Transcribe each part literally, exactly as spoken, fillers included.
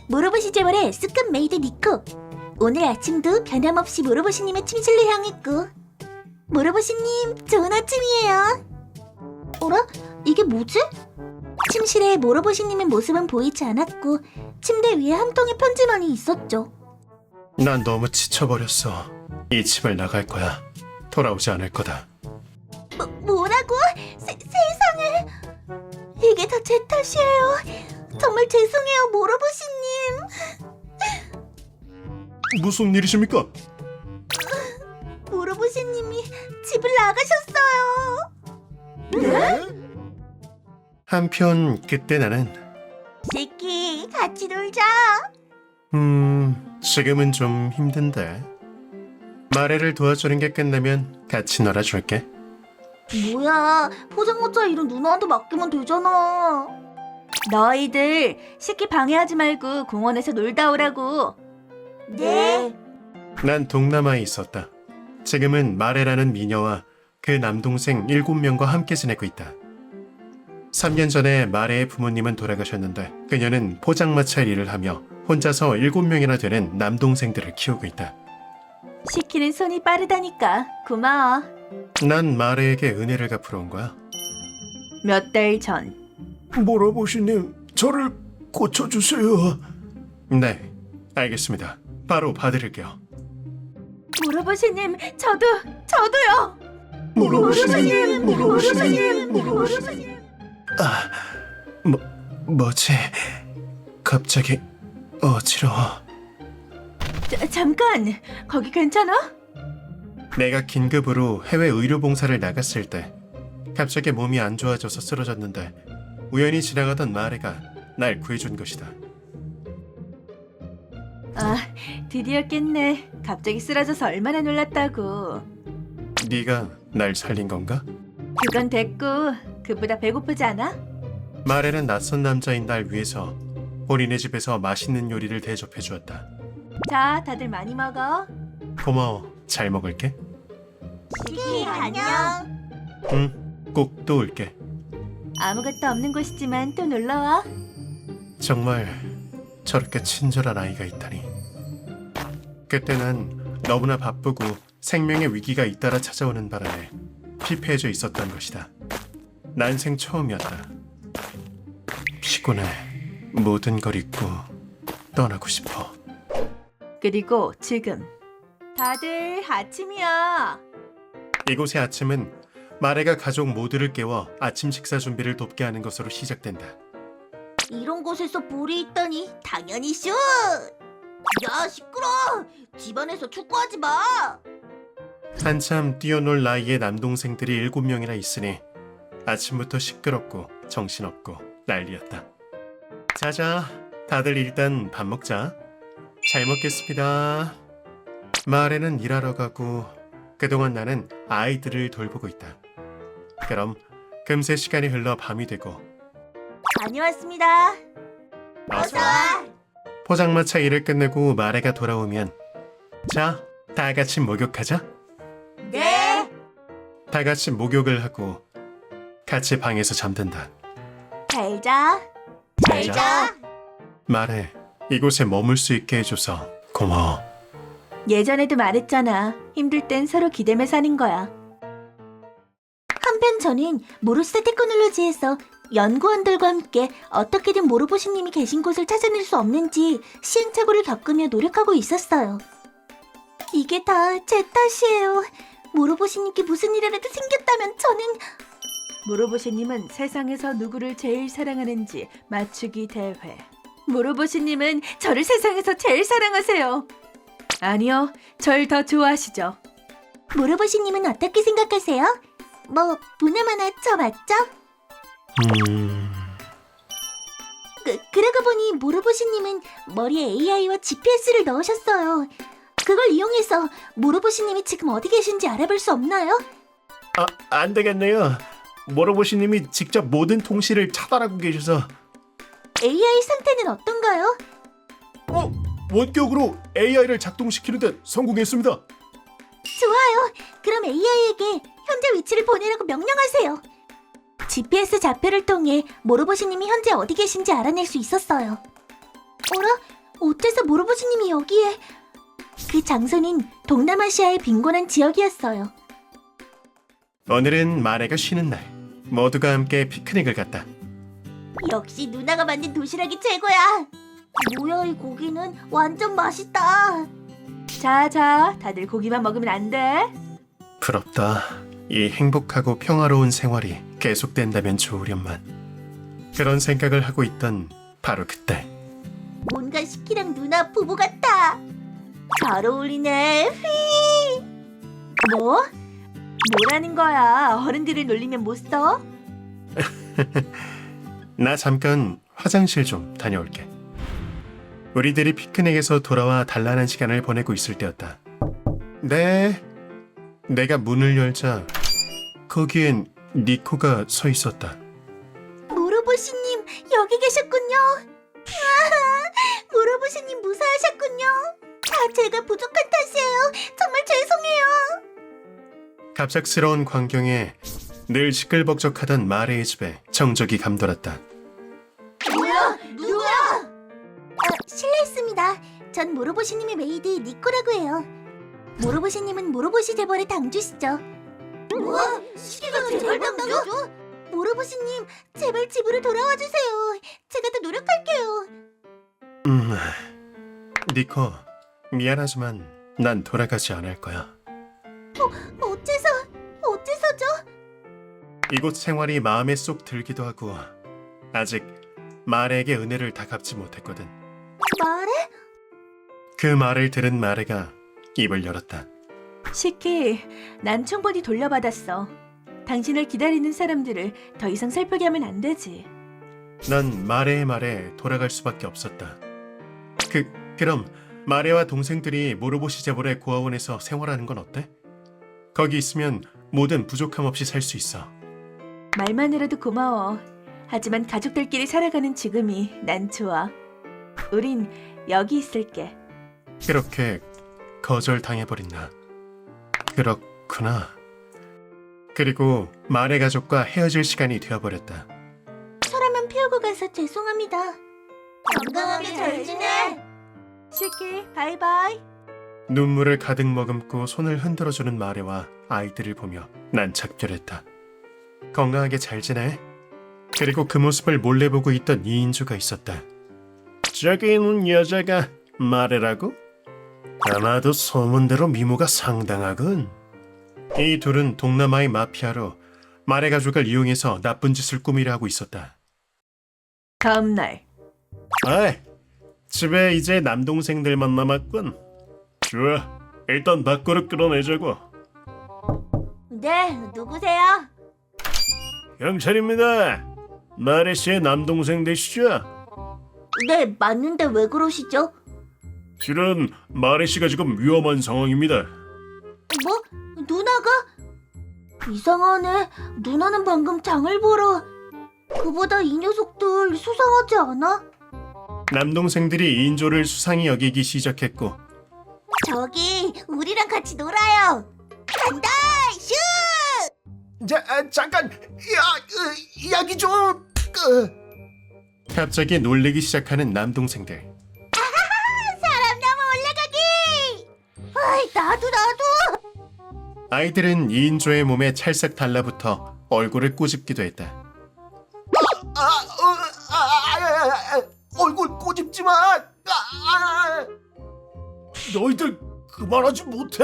모로보시 재벌의 S급 메이드 니코. 오늘 아침도 변함없이 모로보시님의 침실로 향했고. 모로보시님, 좋은 아침이에요. 어라? 이게 뭐지? 침실에 모로보시님의 모습은 보이지 않았고 침대 위에 한 통의 편지만이 있었죠. 난 너무 지쳐버렸어. 이 집을 나갈 거야. 돌아오지 않을 거다. 뭐, 뭐라고? 세, 세상에. 이게 다 제 탓이에요. 정말 죄송해요, 모로보시님. 무슨 일이십니까? 모로보시님이 집을 나가셨어요. 네? 한편 그때 나는 시키, 같이 놀자. 음... 지금은 좀 힘든데 마레를 도와주는 게 끝나면 같이 놀아줄게. 뭐야, 포장마차 일은 누나한테 맡기면 되잖아. 너희들 시키 방해하지 말고 공원에서 놀다 오라고. 네. 난 동남아에 있었다. 지금은 마레라는 미녀와 그 남동생 일곱 명과 함께 지내고 있다. 삼 년 전에 마레의 부모님은 돌아가셨는데 그녀는 포장마차 일을 하며 혼자서 일곱 명이나 되는 남동생들을 키우고 있다. 시키는 손이 빠르다니까 고마워. 난 마레에게 은혜를 갚으러 온 거야. 몇 달 전. 모로보시님, 저를 고쳐주세요. 네, 알겠습니다. 바로 봐드릴게요. 모로보시님, 저도, 저도요. 모로보시님, 모로보시님, 모로보시님. 아, 뭐, 뭐지? 갑자기 어지러워. 자, 잠깐, 거기 괜찮아? 내가 긴급으로 해외 의료 봉사를 나갔을 때 갑자기 몸이 안 좋아져서 쓰러졌는데 우연히 지나가던 마레가 날 구해준 것이다. 아, 드디어 깼네. 갑자기 쓰러져서 얼마나 놀랐다고. 네가 날 살린 건가? 그건 됐고, 그보다 배고프지 않아? 마레는 낯선 남자인 날 위해서 본인의 집에서 맛있는 요리를 대접해 주었다. 자, 다들 많이 먹어. 고마워. 잘 먹을게. 시키, 안녕. 응, 꼭 또 올게. 아무것도 없는 곳이지만 또 놀러와. 정말 저렇게 친절한 아이가 있다니. 그때 난 너무나 바쁘고 생명의 위기가 잇따라 찾아오는 바람에 피폐해져 있었던 것이다. 난생 처음이었다. 피곤해. 모든 걸 잊고 떠나고 싶어. 그리고 지금 다들 아침이야. 이곳의 아침은 마레가 가족 모두를 깨워 아침 식사 준비를 돕게 하는 것으로 시작된다. 이런 곳에서 볼이 있다니 당연히 슛! 야, 시끄러! 집안에서 축구하지 마! 한참 뛰어놀 나이의 남동생들이 일곱 명이나 있으니 아침부터 시끄럽고 정신없고 난리였다. 자자, 다들 일단 밥 먹자. 잘 먹겠습니다. 마을에는 일하러 가고 그동안 나는 아이들을 돌보고 있다. 그럼 금세 시간이 흘러 밤이 되고 다녀왔습니다. 어서 와. 포장마차 일을 끝내고 마레가 돌아오면 자, 다 같이 목욕하자. 네. 다 같이 목욕을 하고 같이 방에서 잠든다. 잘 자. 잘 자. 마레, 이곳에 머물 수 있게 해줘서 고마워. 예전에도 말했잖아. 힘들 땐 서로 기대며 사는 거야. 한편 저는 모로스 테크놀로지에서 연구원들과 함께 어떻게든 모로보시님이 계신 곳을 찾아낼 수 없는지 시행착오를 겪으며 노력하고 있었어요. 이게 다 제 탓이에요. 모로보시님께 무슨 일이라도 생겼다면 저는... 모로보시님은 세상에서 누구를 제일 사랑하는지 맞추기 대회. 모로보시님은 저를 세상에서 제일 사랑하세요. 아니요, 절 더 좋아하시죠. 모로보시님은 어떻게 생각하세요? 뭐 보나마나 저 맞죠? 음... 그, 그러고 보니 모로보시님은 머리에 에이아이와 지피에스를 넣으셨어요. 그걸 이용해서 모로보시님이 지금 어디 계신지 알아볼 수 없나요? 아, 안 되겠네요. 모로보시님이 직접 모든 통신을 차단하고 계셔서. 에이아이 상태는 어떤가요? 어, 원격으로 에이아이를 작동시키는 데 성공했습니다. 좋아요. 그럼 에이아이에게 현재 위치를 보내라고 명령하세요. 지피에스 좌표를 통해 모로보시님이 현재 어디 계신지 알아낼 수 있었어요. 어라? 어째서 모로보시님이 여기에? 그 장소는 동남아시아의 빈곤한 지역이었어요. 오늘은 마레가 쉬는 날. 모두가 함께 피크닉을 갔다. 역시 누나가 만든 도시락이 최고야. 뭐야, 이 고기는 완전 맛있다. 자자, 다들 고기만 먹으면 안 돼. 부럽다. 이 행복하고 평화로운 생활이 계속된다면 좋으련만. 그런 생각을 하고 있던 바로 그때. 뭔가 시키랑 누나 부부 같아. 잘 어울리네. 휘. 뭐? 뭐라는 거야? 어른들을 놀리면 못 써? 나 잠깐 화장실 좀 다녀올게. 우리들이 피크닉에서 돌아와 단란한 시간을 보내고 있을 때였다. 네. 내가 문을 열자 거기엔 니코가 서 있었다. 모로보시님 여기 계셨군요. 아, 모로보시님 무사하셨군요. 다 제가 부족한 탓이에요. 정말 죄송해요. 갑작스러운 광경에 늘 시끌벅적하던 마레의 집에 정적이 감돌았다. 뭐야? 누구야? 아, 실례했습니다. 전 모로보시님의 메이드 니코라고 해요. 모로보시님은 모로보시 재벌의 당주시죠. 뭐? 시기가 재벌 당주? 모로보시님, 제발 집으로 돌아와 주세요. 제가 더 노력할게요. 음, 니코, 미안하지만 난 돌아가지 않을 거야. 어째서? 어째서죠? 이곳 생활이 마음에 쏙 들기도 하고 아직 마레에게 은혜를 다 갚지 못했거든. 말해? 그 말을 들은 마레가 입을 열었다. 시키, 난 충분히 돌려받았어. 당신을 기다리는 사람들을 더 이상 슬프게 하면 안 되지. 난 마레의 말에 돌아갈 수밖에 없었다. 그, 그럼 마레와 동생들이 모로보시 재벌의 고아원에서 생활하는 건 어때? 거기 있으면 모든 부족함 없이 살 수 있어. 말만으로도 고마워. 하지만 가족들끼리 살아가는 지금이 난 좋아. 우린 여기 있을게. 그렇게 거절당해버린 나. 그렇구나. 그리고 마레 가족과 헤어질 시간이 되어버렸다. 서라면 피우고 가서 죄송합니다. 건강하게 잘 지내. 시키, 바이바이. 눈물을 가득 머금고 손을 흔들어주는 마레와 아이들을 보며 난 작별했다. 건강하게 잘 지내. 그리고 그 모습을 몰래 보고 있던 이인주가 있었다. 저기 있는 여자가 마레라고? 아마도 소문대로 미모가 상당하군. 이 둘은 동남아의 마피아로 마레 가족을 이용해서 나쁜 짓을 꾸미려 하고 있었다. 다음 날. 아이, 집에 이제 남동생들만 남았군. 좋아, 일단 밖으로 끌어내자고. 네, 누구세요? 경찰입니다. 마레 씨의 남동생 되시죠? 네, 맞는데 왜 그러시죠? 실은 마레 씨가 지금 위험한 상황입니다. 뭐? 누나가? 이상하네. 누나는 방금 장을 보러. 그보다 이 녀석들 수상하지 않아? 남동생들이 인조를 수상히 여기기 시작했고 저기 우리랑 같이 놀아요. 간다! 슛! 자, 아, 잠깐, 야, 으, 이야기 좀. 으. 갑자기 놀리기 시작하는 남동생들. 사람 나무 올라가기! 아이, 나도 나도! 아이들은 이인조의 몸에 찰싹 달라붙어 얼굴을 꼬집기도 했다. 아, 어, 아, 아, 아, 아, 얼굴 꼬집지 마. 아, 아. 너희들 그만하지 못해.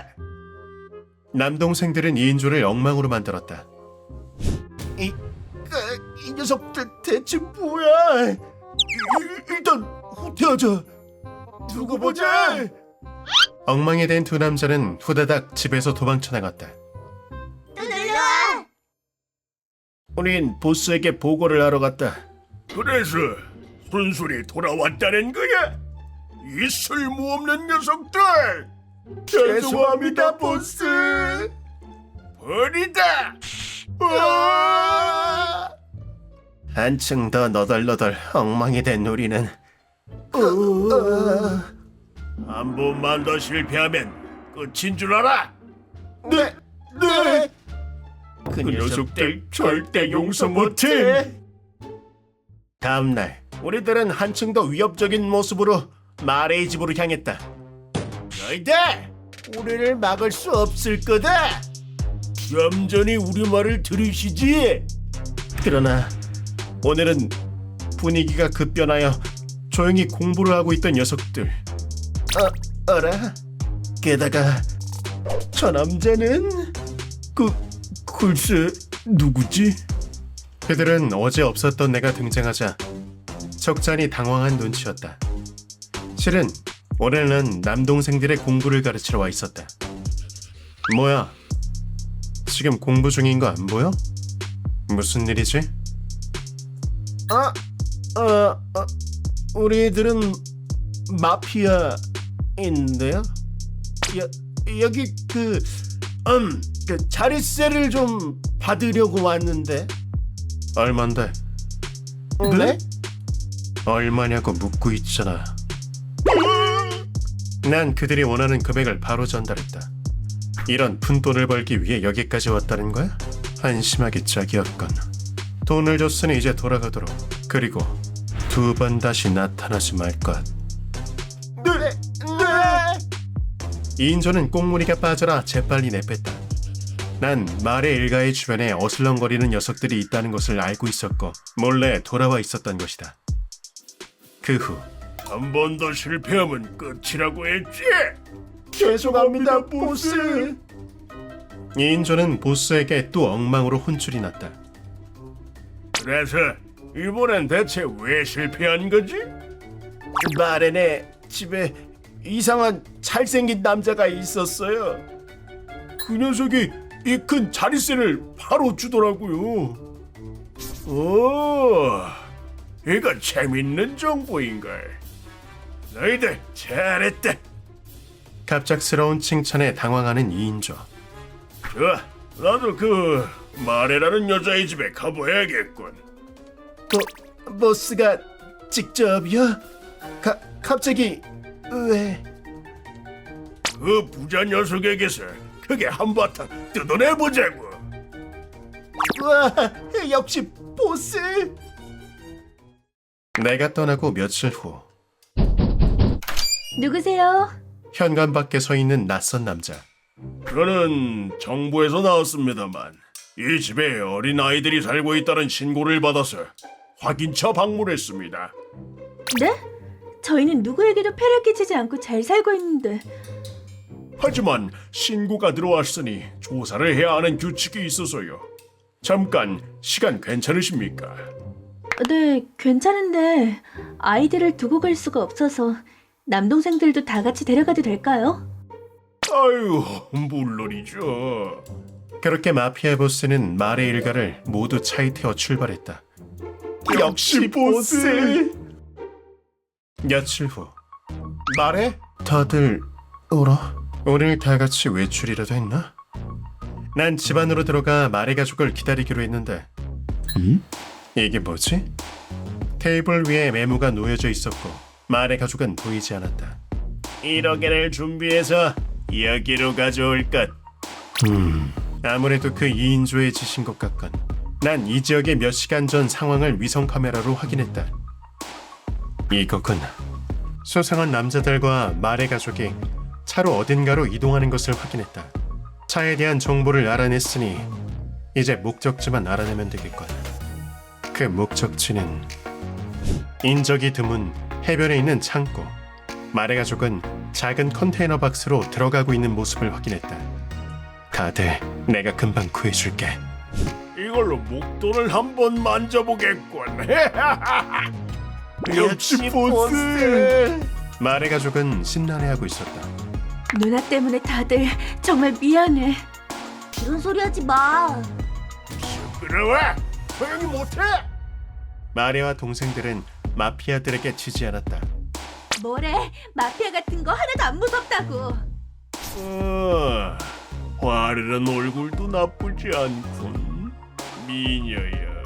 남동생들은 이인조를 엉망으로 만들었다. 이, 그, 이 녀석들 대체 뭐야? 이, 일단 후퇴하자. 두고 보자. 엉망이 된 두 남자는 후다닥 집에서 도망쳐 나갔다. 또 놀러와! 우린 보스에게 보고를 하러 갔다. 그래서 순순히 돌아왔다는 거야? 이 쓸모없는 녀석들! 죄송합니다, 보스! 버리다! 아! 한층 더 너덜너덜 엉망이 된 우리는 한 번만 더 실패하면 끝인 줄 알아? 네, 네! 그 녀석들 절대 용서 못해! 다음 날 우리들은 한층 더 위협적인 모습으로 마레의 집으로 향했다. 너희들 우리를 막을 수 없을 거다. 얌전히 우리 말을 들으시지. 그러나 오늘은 분위기가 급변하여 조용히 공부를 하고 있던 녀석들. 어, 어라? 게다가 저 남자는 그 글쎄 누구지? 그들은 어제 없었던 내가 등장하자 적잖이 당황한 눈치였다. 실은 오늘은 남동생들의 공부를 가르치러 와 있었다. 뭐야? 지금 공부 중인 거 안 보여? 무슨 일이지? 아, 어, 어, 우리들은 마피아인데요. 여, 여기 그, 음, 그 자릿세를 좀 받으려고 왔는데. 얼만데? 네? 얼마냐고 묻고 있잖아. 난 그들이 원하는 금액을 바로 전달했다. 이런 푼돈을 벌기 위해 여기까지 왔다는 거야? 한심하기 짝이었건. 돈을 줬으니 이제 돌아가도록. 그리고 두 번 다시 나타나지 말 것. 네, 네. 이인조는 꽁무니가 빠져라 재빨리 내뺐다. 난 말의 일가의 주변에 어슬렁거리는 녀석들이 있다는 것을 알고 있었고 몰래 돌아와 있었던 것이다. 그 후 한 번 더 실패하면 끝이라고 했지. 죄송합니다, 보스. 이인조는 보스에게 또 엉망으로 혼쭐이 났다. 그래서 이번엔 대체 왜 실패한 거지? 마렌의 집에 이상한 잘생긴 남자가 있었어요. 그 녀석이 이 큰 자릿세를 바로 주더라고요. 오, 이거 재밌는 정보인걸. 너희들 잘했다. 갑작스러운 칭찬에 당황하는 이인조. 좋아, 나도 그 마레라는 여자의 집에 가봐야겠군. 보, 보스가 직접이요? 가, 갑자기 왜? 그 부자 녀석에게서 크게 한바탕 뜯어내보자고. 와, 역시 보스. 내가 떠나고 며칠 후 누구세요? 현관 밖에 서 있는 낯선 남자. 저는 정부에서 나왔습니다만 이 집에 어린 아이들이 살고 있다는 신고를 받아서 확인차 방문했습니다. 네? 저희는 누구에게도 폐를 끼치지 않고 잘 살고 있는데. 하지만 신고가 들어왔으니 조사를 해야 하는 규칙이 있어서요. 잠깐 시간 괜찮으십니까? 네, 괜찮은데 아이들을 두고 갈 수가 없어서 남동생들도 다 같이 데려가도 될까요? 아유, 물론이죠. 그렇게 마피아 보스는 말의 일가를 모두 차에 태워 출발했다. 역시 보스. 며칠 후 말해? 다들 울어? 오늘 다 같이 외출이라도 했나? 난 집 안으로 들어가 말의 가족을 기다리기로 했는데 음? 이게 뭐지? 테이블 위에 메모가 놓여져 있었고 말의 가족은 보이지 않았다. 일억 엔을 준비해서 여기로 가져올 것. 음, 아무래도 그 이인조의 짓인 것 같건. 난 이 지역의 몇 시간 전 상황을 위성 카메라로 확인했다. 이거군. 수상한 남자들과 말의 가족이 차로 어딘가로 이동하는 것을 확인했다. 차에 대한 정보를 알아냈으니 이제 목적지만 알아내면 되겠군. 그 목적지는 인적이 드문 해변에 있는 창고. 말의 가족은 작은 컨테이너 박스로 들어가고 있는 모습을 확인했다. 다들 내가 금방 구해줄게. 이걸로 목돈을 한번 만져보겠군. 역시 보스. 말의 가족은 신나해하고 있었다. 누나 때문에 다들 정말 미안해. 그런 소리 하지 마. 시끄러워. 조용히 못해. 마레와 동생들은 마피아들에게 지지 않았다. 뭐래? 마피아 같은 거 하나도 안 무섭다고. 어, 화려한 얼굴도 나쁘지 않군. 미녀야.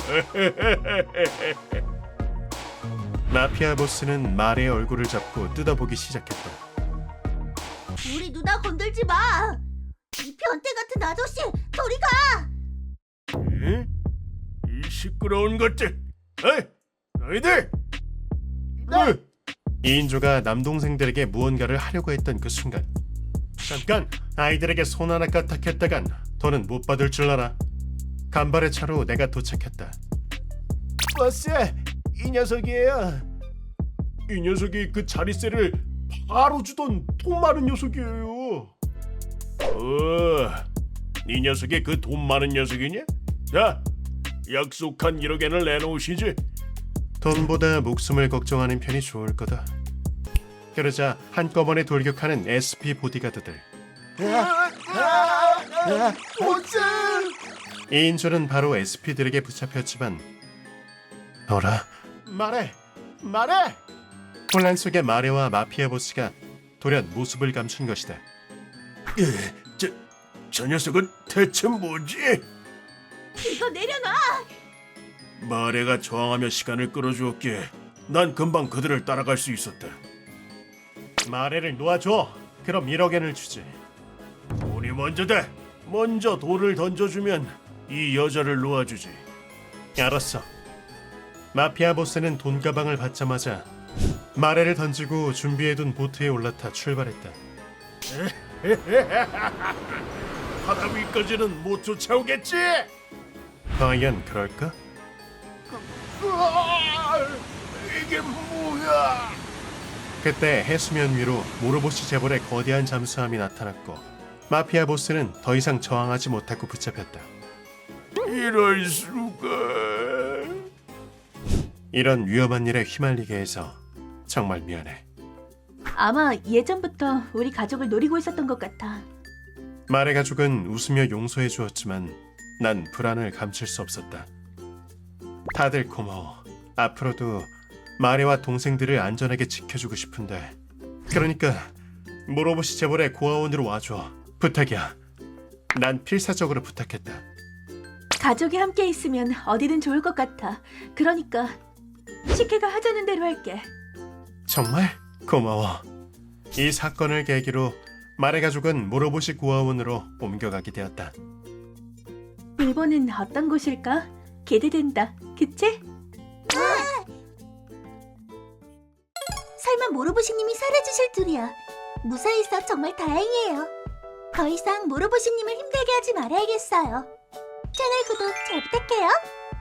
마피아 보스는 마레의 얼굴을 잡고 뜯어보기 시작했다. 우리 누나 건들지 마. 이 변태 같은 아저씨, 저리 가. 에? 이 시끄러운 것들. 에이, 너희들. 네. 이인조가 남동생들에게 무언가를 하려고 했던 그 순간, 잠깐 아이들에게 손 하나 까딱했다간 더는 못 받을 줄 알아. 간발의 차로 내가 도착했다. 버스, 이 녀석이에요. 이 녀석이 그 자리세를 바로 주던 돈 많은 녀석이에요. 어, 이 녀석이 그 돈 많은 녀석이냐? 자, 약속한 일억 엔을 내놓으시지. 돈보다 목숨을 걱정하는 편이 좋을 거다. 그러자 한꺼번에 돌격하는 에스피 보디가드들. 버스! 이인조는 바로 에스피들에게 붙잡혔지만, 너라, 말해, 말해! 혼란 속에 마레와 마피아 보스가 돌연 모습을 감춘 것이다. 저, 저 녀석은 대체 뭐지? 이거 내려놔. 마레가 저항하며 시간을 끌어주었기에 난 금방 그들을 따라갈 수 있었다. 마레를 놓아줘. 그럼 일억 엔을 주지. 돈이 먼저다. 먼저 돌을 던져주면 이 여자를 놓아주지. 알았어. 마피아 보스는 돈 가방을 받자마자 마레를 던지고 준비해둔 보트에 올라타 출발했다. 바다 위까지는 못 쫓아오겠지? 과연 그럴까? 으아, 이게 뭐야? 그때 해수면 위로 모로보시 재벌의 거대한 잠수함이 나타났고 마피아 보스는 더 이상 저항하지 못하고 붙잡혔다. 이럴 수가. 이런 위험한 일에 휘말리게 해서 정말 미안해. 아마 예전부터 우리 가족을 노리고 있었던 것 같아. 말의 가족은 웃으며 용서해 주었지만 난 불안을 감출 수 없었다. 다들 고마워. 앞으로도 마레와 동생들을 안전하게 지켜주고 싶은데, 그러니까 모로보시 재벌의 고아원으로 와줘. 부탁이야. 난 필사적으로 부탁했다. 가족이 함께 있으면 어디든 좋을 것 같아. 그러니까 식혜가 하자는 대로 할게. 정말 고마워. 이 사건을 계기로 마레 가족은 모로보시 고아원으로 옮겨가게 되었다. 일본은 어떤 곳일까? 기대된다. 그치? 설마 모로보시님이 사라지실 줄이야. 무사해서 정말 다행이에요. 더 이상 모로보시님을 힘들게 하지 말아야겠어요. 채널 구독 잘 부탁해요.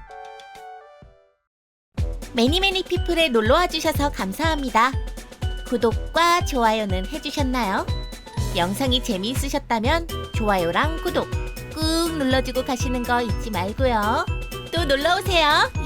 매니매니 피플에 놀러와 주셔서 감사합니다. 구독과 좋아요는 해주셨나요? 영상이 재미있으셨다면 좋아요랑 구독 꾹 눌러주고 가시는 거 잊지 말고요. 또 놀러오세요.